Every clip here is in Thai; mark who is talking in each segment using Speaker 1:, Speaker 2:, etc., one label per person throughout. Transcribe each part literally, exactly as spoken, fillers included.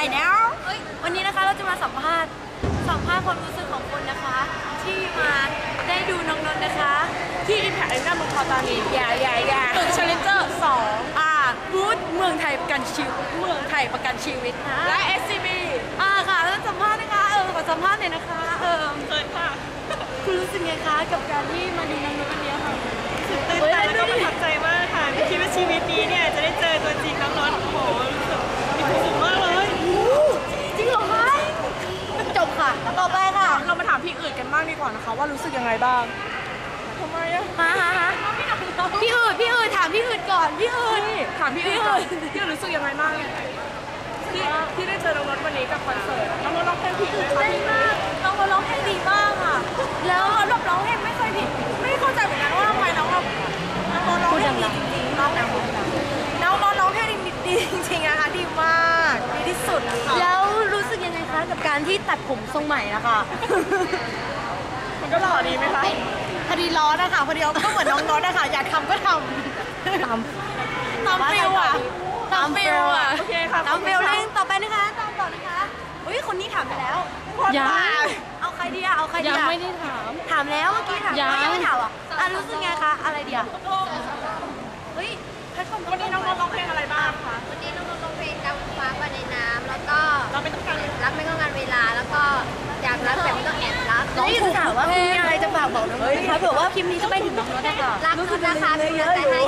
Speaker 1: Hi now วันนี้นะคะเราจะมาสัมภาษณ์สัมภาษณ์ความรู้สึกของคนนะคะที่มาได้ดูน้องนนท์นะคะที่ Impact Arena เมืองทองธานีอย่าอย่าอย่าตึก Challenger สองอ่าบูธเมืองไทยประกันชีวิตเมืองไทยประกันชีวิตนะและ เอส ซี บี อ่าค่ะแล้วสัมภาษณ์นะคะเออขอสัมภาษณ์หน่อยนะคะเออเกินค่ะคุณรู้สึกไงคะกับการที่มาดูน้องนนท์วันนี้ค่ะ
Speaker 2: ตื่นเต้นแล้วก็ประทับใจมากค่ะไม่คิดว่าชีวิตนี้เนี่ยจะได้เจอตัวจริงน้องนนท์โอ้โหรู้สึกมีความสุขมากเลย
Speaker 1: จริงเหรอคะจบค่ะต่อไปค่ะ
Speaker 2: เรามาถามพี่อื่นกันบ้างดีกว่านะคะว่ารู้สึกยังไงบ้างทำไมอะ
Speaker 1: ฮะฮะฮะพี่อื่นพี่อื่นถามพี่อื่นก่อนพี่อื่น
Speaker 2: ถามพี่อื่นก่อนพี่อื่นรู้สึกยังไงบ้างที่ที่ได้เจอน้องนนท์วันนี้กับคอนเสิร์ตน้องนนท์ร้องเพลงผิดไหมคะ
Speaker 1: ดีมากน้องนนท์ร้องเพลงดีมากค่ะแล้วรอบร้องเพลงไม่เคยผิด
Speaker 2: ไม่เข้าใจเหมือนกันว่าทำไมน้องเราน้องนนท์ร้องเพลงดีจริงๆน้องน้องนนท์ร้องเพลงดีจริงๆนะคะดีมากดีที่สุด
Speaker 1: แล้วรู้สึกยังไงคะกับการที่ตัดผมทรงใหม่นะคะ
Speaker 2: มันก็หล่อดีไหมคะ
Speaker 1: พอดีร้อนนะคะพอดีก็เหมือนน้องร้อนนะคะอยากทำก็ทำตามตามฟิลอะตามฟิลอะ
Speaker 2: โอเคค่ะ
Speaker 1: ตามฟิลเล่นต่อไปนะคะตามต่อนะคะอุ้ยคนนี้ถามไปแล้ว
Speaker 2: ยัง
Speaker 1: เอาใครดีอะเอาใครดีอะ
Speaker 2: ยังไม่ได้ถาม
Speaker 1: ถามแล้วเมื่อกี้ถามยังไม่ถามอ่ะอ่ะรู้สึกไงคะอะไรดีอะเฮ้ย
Speaker 2: วันนี้น้องร้องเพลงอะไรบ้างคะ
Speaker 3: วันนี้น้องร้องเพลงดำฟ้าไปในน้ำแล้วก็
Speaker 2: เราไม่ต้องการ
Speaker 3: รับไม่ต้องงานเวลาแล้วก็อยากรักแต่ไม่ต้องแอบรัก
Speaker 1: น้องถูกถามว่ามีอะไรจะฝากบอกน้องไหมคะเผื่อว่าคลิปนี้จะไปถึงน้องได้ค่ะ
Speaker 3: รักคุณนะคะเป็นกำลังใจให้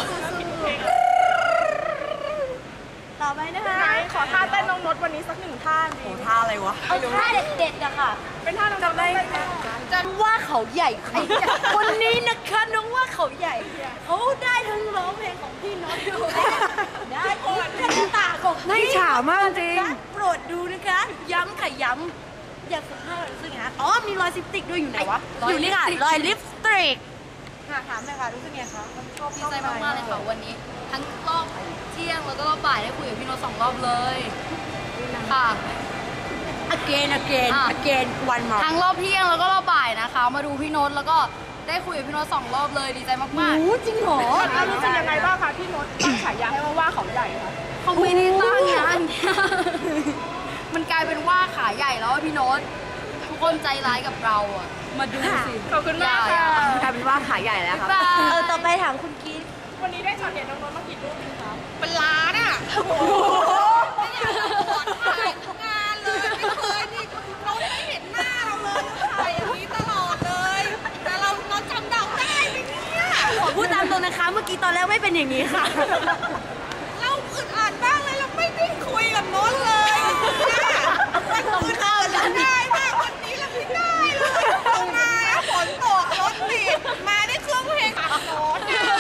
Speaker 1: ต่อไปนะคะ
Speaker 2: ขอท่าเต้นน้องนนท์วันนี้สักหนึ่งท่าดี
Speaker 1: ท่าอะไรวะเอาท่าเด็ดๆอะค่ะ
Speaker 2: เป็นท่าน้องจำได้
Speaker 1: จะว่าเขาใหญ่ใครคนนี้นะคะน้องว่าเขาใหญ่เขาได้ทั้งร้องเพลงของพี่น้องดูได้ทั้งตาของพี่
Speaker 2: ฉามากจริง
Speaker 1: โปรดดูนะคะย้ำค่ะย้ำอยากสัมภาษณ์รู้สึกไงอ๋อมีรอยลิปสติกด้วยอยู่ไหนวะอยู่นี่ค่ะรอยลิปสติก
Speaker 2: ค่ะถามเลยค่ะรู้สึกไงคะ
Speaker 4: ดีใจมากๆเลยค่ะวันนี้ทั้งรอบเที่ยงแล้วก็รอบบ่ายได้คุยกับพี่โน้ตสองรอบเลยค่ะ
Speaker 1: again again again one more
Speaker 4: ทั้งรอบเที่ยงแล้วก็รอบบ่ายนะคะมาดูพี่โน้ตแล้วก็ได้คุยกับพี่โน้ตสองรอบเลยดีใจมากๆ
Speaker 1: โอ้จริงเหรอ
Speaker 2: รู้สึกยังไงบ้างคะพี่โน้ตตั้งฉายาให้ว่าว่าเขาใหญ่ค่ะ
Speaker 4: เขาไม่ได้ตั้งงานมันกลายเป็นว่าขาใหญ่แล้วพี่โน้ตทุกคนใจร้ายกับเราอ่ะมาดูสิ
Speaker 2: ขอบคุณมากค่ะ
Speaker 1: กลายเป็นว่าขาใหญ่แล้วค่ะเออต่อไปถามคุณกิ๊ฟ
Speaker 2: วันนี้ได้ช็อตเด็ดน้องนนท์มากี่รูปคะ
Speaker 3: เป็นล้านอ่ะโอ้โหไม่อยากจะกดถ่ายทุกงานเลยไม่เคยนี่เราไม่เห็นหน้าเราเลยถ่ายอย่างนี้ตลอดเลยแต่เราเราจำเดาได้ไหมเนี่ย
Speaker 1: ขอพูดตามตรงนะคะเมื่อกี้ตอนแรกไม่เป็นอย่างนี้ค่ะ
Speaker 3: เราอึดอัดบ้างเลยเราไม่ได้คุยกับโน้ตเลยวันอื่นเราได้มากวันนี้เราไม่ได้เลยมาฝนตกรถติดมาได้เครื่องเพลงอัดโน้ต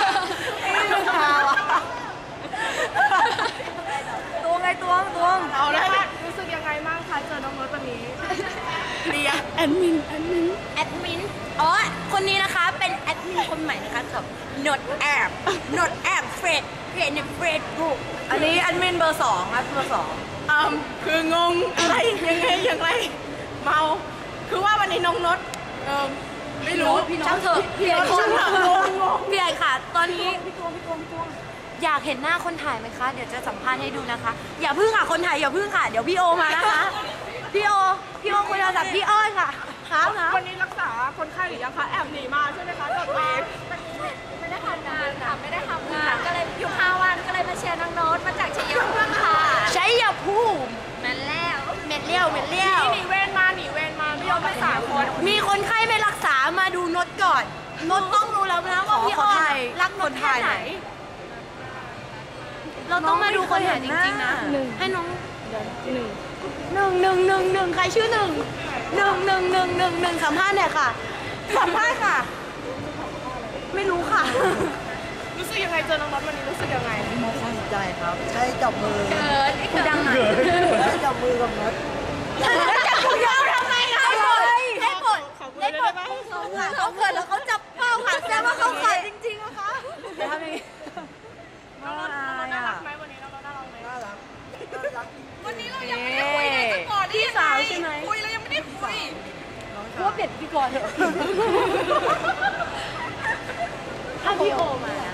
Speaker 1: ตัวไงตัวตัว
Speaker 2: เอาแล้วรู้สึกยังไงบ้างคะเจอน้องโน้ตวันนี้
Speaker 1: เรียแอดมินแอดมินแอดมินอ๋อคนนี้นะคะเป็นแอดมินคนใหม่นะคะกับ not app not app เฟรดเพจในเฟรดบุ๊ก
Speaker 2: อันนี้แอดมินเบอร์สองครับเบอร์สองอืมคืองงอะไรยังไงอย่างไรเมาคือว่าวันนี้น้องโน้ตเออไม่รู้
Speaker 1: พี่น้องเถอะพี่ไอ้ช่างเถอะพี่ไอ้ค่ะตอนนี้พี่ตัวพี่ตัวพี่ตัวอยากเห็นหน้าคนถ่ายไหมคะเดี๋ยวจะสัมภาษณ์ให้ดูนะคะอย่าพึ่งค่ะคนถ่ายอย่าพึ่งค่ะเดี๋ยวพี่โอมานะคะพี่โอพี่โอคุยโทรศัพท์พี่อ้อยค่ะครับนะ
Speaker 2: วันนี้รักษาคนไข้หรือยังคะแอบหนีมาใช่ไหมคะจากเวร
Speaker 3: ไม่ได้ทำงานค่ะไม่ได้ทำงานก็เลยอยู่ห้าวันก็เลยมาเชียร์น้องโน้ตมาจากชัยภูมิค่ะ
Speaker 1: ชัยภูมิ
Speaker 3: แม่นแล้ว
Speaker 1: เม็ดเลี้ยวเม็ดเลี้ยว
Speaker 2: หนีเวรมาหนีเวรมาไม่ยอมไปสามคน
Speaker 1: มีคนไข้ไม่รักษามาดูโน้ตก่อนโน้ตต้องรู้แล้วนะว่าพี่อ้อยรักโน้ตแค่ไหนเราต้องมาดูคนถ่ายจริงๆนะให้น้องหนึ่งหนึ่งหนึ่งหนึ่งหนึ่งใครชื่อหนึ่งหนึ่งหนึ่งหนึ่งหนึ่งหนึ่งสัมภาษณ์หน่อยค่ะสัมภาษณ์ค่ะไม่รู้ค่ะ
Speaker 2: รู้สึกยังไงเจอน้องน็อตวันนี้รู้สึกยังไง
Speaker 5: มองความใจครับใช้จับมือ
Speaker 1: เกิดไอ้ดังหน่อย
Speaker 5: ใช้จับมือกับน็อต
Speaker 1: จับมือเราทำไมคะได้ผลได้ผลได้ผลเขาเกิดแล้วเขาจับเป้าค่ะแสดงว่าเขาเกิดจริงๆนะคะ
Speaker 2: จะทำยังไงน้องน่ารักไหมวันนี้น้องน่ารักไหม
Speaker 5: น่ารัก
Speaker 3: วันนี้เรายังไม่ได้คุยเลยก่อนที่
Speaker 1: สาวใช่ไหม
Speaker 3: คุยเรายังไม่ได้คุย
Speaker 1: ว่าเปลี่ยนพี่ก่อนเถอะถ้าพี่โอมา